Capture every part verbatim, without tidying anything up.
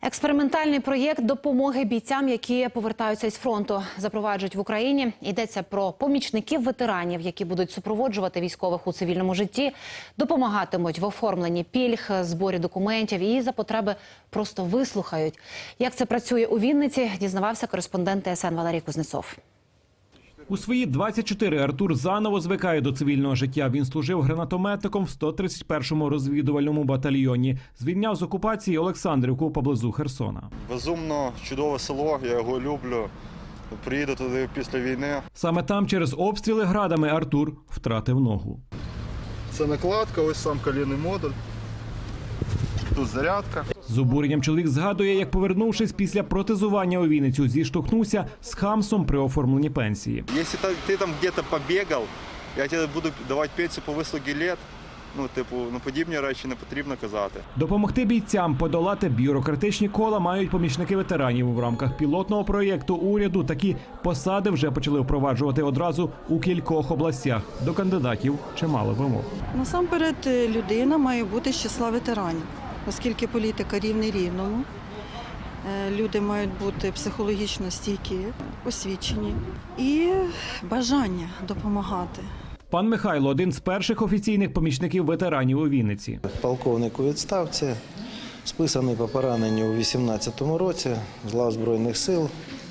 Експериментальний проєкт допомоги бійцям, які повертаються із фронту, запроваджують в Україні. Йдеться про помічників ветеранів, які будуть супроводжувати військових у цивільному житті, допомагатимуть в оформленні пільг, зборі документів і за потреби просто вислухають. Як це працює у Вінниці, дізнавався кореспондент Т С Н Валерій Кузнецов. У свої двадцять чотири Артур заново звикає до цивільного життя. Він служив гранатометником в сто тридцять першому розвідувальному батальйоні. Звільняв з окупації Олександрівку поблизу Херсона. Безумно чудове село, я його люблю. Приїду туди після війни. Саме там через обстріли градами Артур втратив ногу. Це накладка, ось сам колінний модуль. Тут зарядка. З обуренням чоловік згадує, як, повернувшись після протезування у Вінницю, зіштовхнувся з хамством при оформленні пенсії. Якщо ти там десь побігав, я тобі буду давати пенсію по вислугі літ. Ну, типу, ну, подібні речі не потрібно казати. Допомогти бійцям подолати бюрократичні кола мають помічники ветеранів. В рамках пілотного проєкту уряду такі посади вже почали впроваджувати одразу у кількох областях. До кандидатів чимало вимог. Насамперед, людина має бути з числа ветеранів, оскільки політика рівний рівному. Люди мають бути психологічно стійкі, освічені і бажання допомагати. Пан Михайло – один з перших офіційних помічників ветеранів у Вінниці. Полковник у відставці, списаний по пораненню у вісімнадцятому році з лав Збройних сил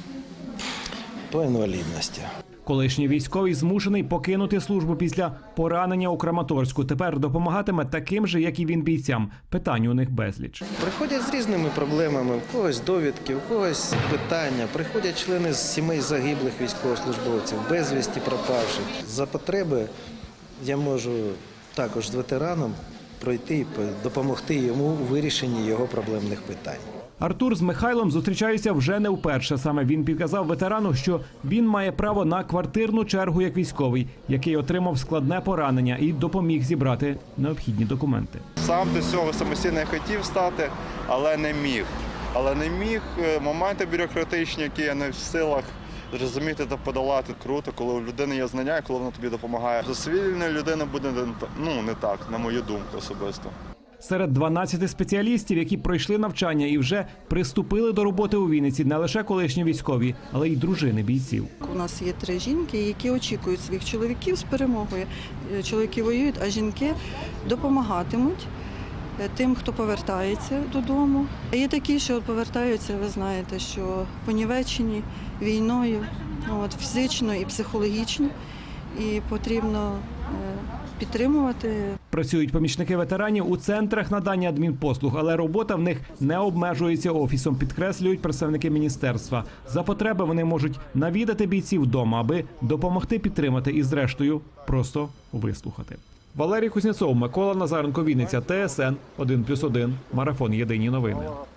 по інвалідності. Колишній військовий змушений покинути службу після поранення у Краматорську. Тепер допомагатиме таким же, як і він, бійцям. Питань у них безліч. Приходять з різними проблемами, у когось довідки, у когось питання. Приходять члени з сімей загиблих військовослужбовців, безвісті пропавших. За потреби я можу також з ветераном пройти і допомогти йому у вирішенні його проблемних питань. Артур з Михайлом зустрічаються вже не вперше. Саме він підказав ветерану, що він має право на квартирну чергу як військовий, який отримав складне поранення і допоміг зібрати необхідні документи. Сам до цього самостійно я хотів стати, але не міг. Але не міг. Моменти бюрократичні, які я не в силах зрозуміти та подолати. Круто, коли у людини є знання, коли вона тобі допомагає. З цивільною людиною буде ну, не так, на мою думку особисто. Серед дванадцяти спеціалістів, які пройшли навчання і вже приступили до роботи у Вінниці, не лише колишні військові, але й дружини бійців. У нас є три жінки, які очікують своїх чоловіків з перемогою. Чоловіки воюють, а жінки допомагатимуть тим, хто повертається додому. Є такі, що повертаються, ви знаєте, що понівечені війною, от, фізично і психологічно, і потрібно підтримувати. Працюють помічники ветеранів у центрах надання адмінпослуг, але робота в них не обмежується офісом, підкреслюють представники міністерства. За потреби вони можуть навідати бійців вдома, аби допомогти підтримати і, зрештою, просто вислухати. Валерій Кузнецов, Микола Назаренко, Вінниця, Т С Н один плюс один, Марафон. Єдині новини.